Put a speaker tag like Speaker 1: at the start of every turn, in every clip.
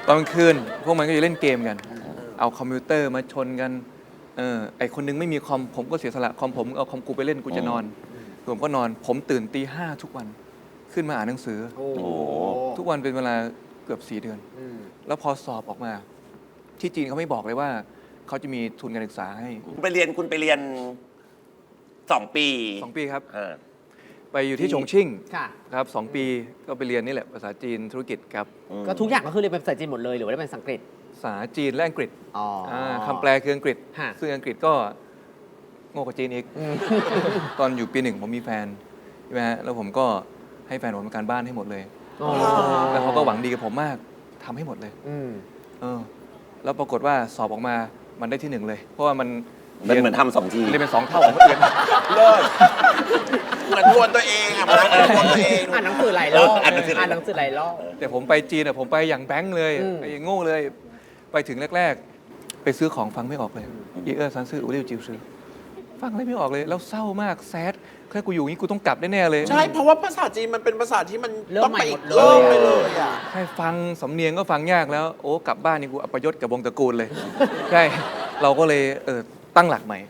Speaker 1: ตอนกลางคืนพวกมันก็จะเล่นเกมกันเอาคอมพิวเตอร์มาชนกันไอคนนึงไม่มีคอมผมก็เสียสละคอมผมเอาคอมกูไปเล่นกูจะนอนผมก็นอนผมตื่นตี 5ทุกวันขึ้นมาอ่านหนังสือทุกวันเป็นเวลาเกือบ4 เดือนแล้วพอสอบออกมาที่จีนเขาไม่บอกเลยว่าเขาจะมีทุนการศึกษาให้
Speaker 2: คุณไปเรียน2 ปี
Speaker 1: 2 ปีครับไปอยู่ที่ฉงชิ่งครับ2 ปีก็ไปเรียนนี่แหละภาษาจีนธุรกิจครับ
Speaker 3: ก็ทุกอย่างก็คือเรียนเป็นภาษาจีนหมดเลยหรือว่าเป็นภาษาอังกฤษ
Speaker 1: ภาษาจีนและอังกฤษคำแปลคืออังกฤษซึ่งอังกฤษก็โง่กว่าจีนอีกตอนอยู่ปี 1ผมมีแฟนใช่ไหมฮะแล้วผมก็ให้แฟนผมทำการบ้านให้หมดเลยแล้วเขาก็หวังดีกับผมมากทำให้หมดเลยแล้วปรากฏว่าสอบออกมามันได้ที่ 1เลยเพราะว่ามัน
Speaker 2: เหมือนทำ2 ที
Speaker 1: เรียนเป็น2 เท่าของคนอื่น
Speaker 4: เลิศเหมือนทวนตัวเองอ่ะมันทวนตัวเอง
Speaker 3: อ่านหนังสือหลายรอบอ่านหนังสือหลายรอบ
Speaker 1: แต่ผมไปจีนผมไปอย่างแบงค์เลยไปอย่างโง่เลยไปถึงแรกๆไปซื้อของฟังไม่ออกเลยซันซื่ออูเรียวจิวซื้อฟังอะไรไม่ออกเลยแล้วเศร้ามากแซดแค่กูอยู่งี้กูต้องกลับแน่ๆเลย
Speaker 4: ใช่เพราะว่าภาษาจีนมันเป็นภาษาที่มันต้องไปอีกเริ่มไปเลยอ่ะ
Speaker 1: ให้ฟังสำเนียงก็ฟังยากแล้วโอ้กลับบ้านนี่กูอัปยศกับวงตระกูลเลยใช่เราก็เลยตั้งหลักใหม่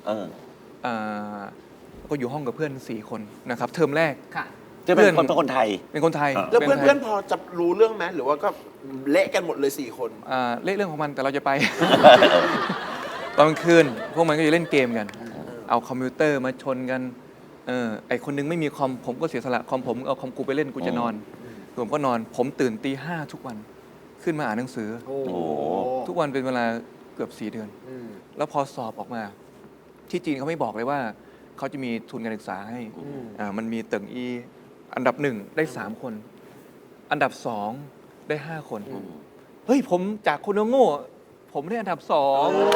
Speaker 1: ก็อยู่ห้องกับเพื่อน4 คนนะครับเทอมแรก
Speaker 2: จะเป็นคนไทย
Speaker 1: เป็นคนไทย
Speaker 4: แล้วเพื่อนพอจะรู้เรื่องไหมหรือว่าก็เละกันหมดเลย4 คน
Speaker 1: เละเรื่องของมันแต่เราจะไป ตอนกลางคืนพวกมันก็จะเล่นเกมกันเอาคอมพิวเตอร์มาชนกันไอคนนึงไม่มีคอมผมก็เสียสละคอมผมเอาคอมกูไปเล่นกูจะนอนผมก็นอนผมตื่นตี 5ทุกวันขึ้นมาอ่านหนังสือทุกวันเป็นเวลาเกือบ4 เดือนแล้วพอสอบออกมาที่จีนเขาไม่บอกเลยว่าเขาจะมีทุนการศึกษาให้มันมีเติ่งอีอันดับ1ได้3 คนอันดับ2ได้5 คนเฮ้ยผมจากคนโง่ผมได้อันดับ2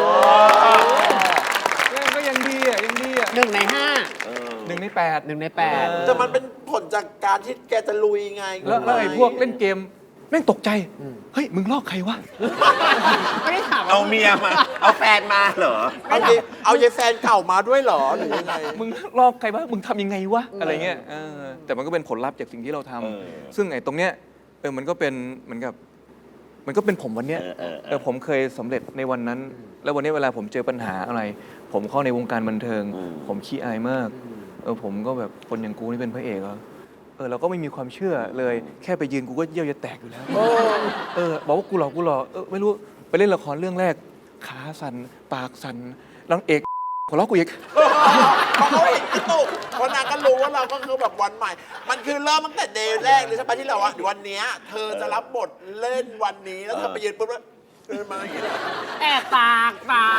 Speaker 1: ก็ยังดีอ่ะ
Speaker 3: 1 ใน 5
Speaker 1: 1 ใน 8
Speaker 4: แต่มันเป็นผลจากการที่แกจะลุยไง
Speaker 1: แล้วไอ้พวกเล่นเกมแม่งตกใจเฮ้ยมึงลอกใครวะ
Speaker 3: ไม่ได้ถาม
Speaker 2: เอาเมียมาเอาแฟนมาเหรอ
Speaker 4: เอายายแฟนเก่ามาด้วยเหรอหรือยังไง
Speaker 1: มึงลอกใครวะมึงทำยังไงวะอะไรเงี้ยแต่มันก็เป็นผลลัพธ์จากสิ่งที่เราทำซึ่งไอ้ตรงเนี้ยมันก็เป็นเหมือนกับมันก็เป็นผมวันเนี้ยผมเคยสำเร็จในวันนั้นแล้ววันนี้เวลาผมเจอปัญหาอะไรผมเข้าในวงการบันเทิงผมขี้อายมากผมก็แบบคนอย่างกูนี่เป็นพระเอกเหรอเราก็ไม่มีความเชื่อเลยแค่ไปยืนกูก็เยี่ยวจะแตกอยู่แล้วบอกว่ากูหลอกไม่รู้ไปเล่นละครเรื่องแรกขาสั่นปากสั่นนางเอกขอร้องกูอีก
Speaker 4: เขาเห็นกระตุกเพราะนางก็รู้ว่าเราก็คือแบบวันใหม่มันคือเริ่มตั้งแต่เดย์แรกเลยใช่ไหมที่เราว่าวันนี้เธอจะรับบทเล่นวันนี้แล้วเธอไปยืนปุ๊บแล้วเดินมาอย่างนี้
Speaker 3: แอบปาก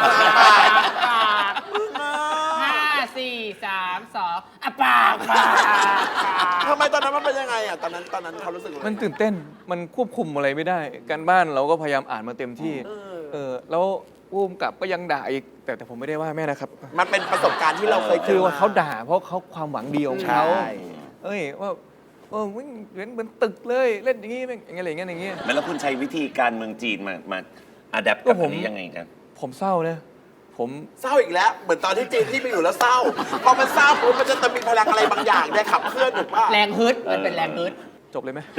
Speaker 3: 5 4 3 2ปาก
Speaker 4: ทำไมตอนนั้นมันเป็นยังไงอ่ะตอนนั้นเขารู้สึก
Speaker 1: มันตื่นเต้นมันควบคุมอะไรไม่ได้การบ้านเราก็พยายามอ่านมาเต็มที่แล้วผู้กำกับก็ยังด่าอีกแต่ผมไม่ได้ว่าแม่นะครับ
Speaker 4: มันเป็นประสบการณ์ที่เราเคย
Speaker 1: คือว่าเขาด่าเพราะเขาความหวังดีของเขาว่ามึงเหมือนตึกเลยเล่นอย่างงี้อะไรอย่างเงี้ย
Speaker 2: แล้วคุณใช้วิธีการเมืองจีนมาอัดแอปกับอันนี้ยังไงกัน
Speaker 1: ผมเศร้านะผม
Speaker 4: เศร้าอีกแล้วเหมือนตอนที่จีนที่ไปอยู่แล้วเศร้าพอมันเศร้าปุ๊บมันจะมีพลังอะไรบางอย่างได้ขับเคลื่อนถูกป่ะ
Speaker 3: แรงฮึดมันเป็นแรงฮึด
Speaker 1: จบเลยไหม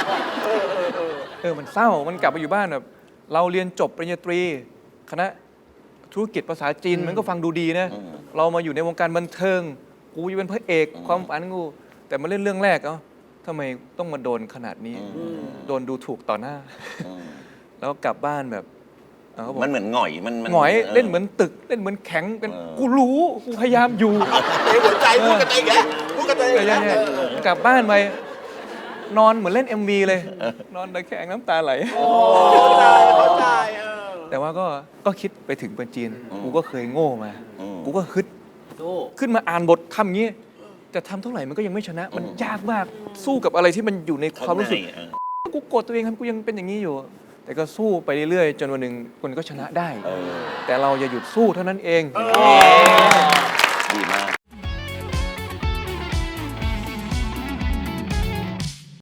Speaker 1: มันเศร้ามันกลับไปอยู่บ้านแบบเราเรียนจบปริญญาตรีคณะธุรกิจภาษาจีนมันก็ฟังดูดีนะเรามาอยู่ในวงการบันเทิงกูจะเป็นพระเอกความฝันกูแต่มาเล่นเรื่องแรกทำไมต้องมาโดนขนาดนี้โดนดูถูกต่อหน้าแล้วกลับบ้านแบบ
Speaker 2: มันเหมือนหงอยมัน
Speaker 1: หงอยเล่นเหมือนตึกเล่นเหมือนแข็งเป็นกูรู้กูพยายามอยู่
Speaker 4: ในหัวใจพูดกันเองแหละพูดกันเอง
Speaker 1: กลับบ้านไปนอนเหมือนเล่น MV เลยนอนตะแคงน้ำตาไหล
Speaker 4: เข้าใจ
Speaker 1: แต่ว่าก็คิดไปถึงเป็นจีนกูก็เคยโง่มากูก็ฮึดขึ้นมาอ่านบททำงี้แต่ทำเท่าไหร่มันก็ยังไม่ชนะมันยากมากสู้กับอะไรที่มันอยู่ในความรู้สึกกูโกรธตัวเองทำกูยังเป็นอย่างนี้อยู่แต่ก็สู้ไปเรื่อยๆจนวันหนึ่งคนก็ชนะได้แต่เราอย่าหยุดสู้เท่านั้นเอง
Speaker 2: ดีมาก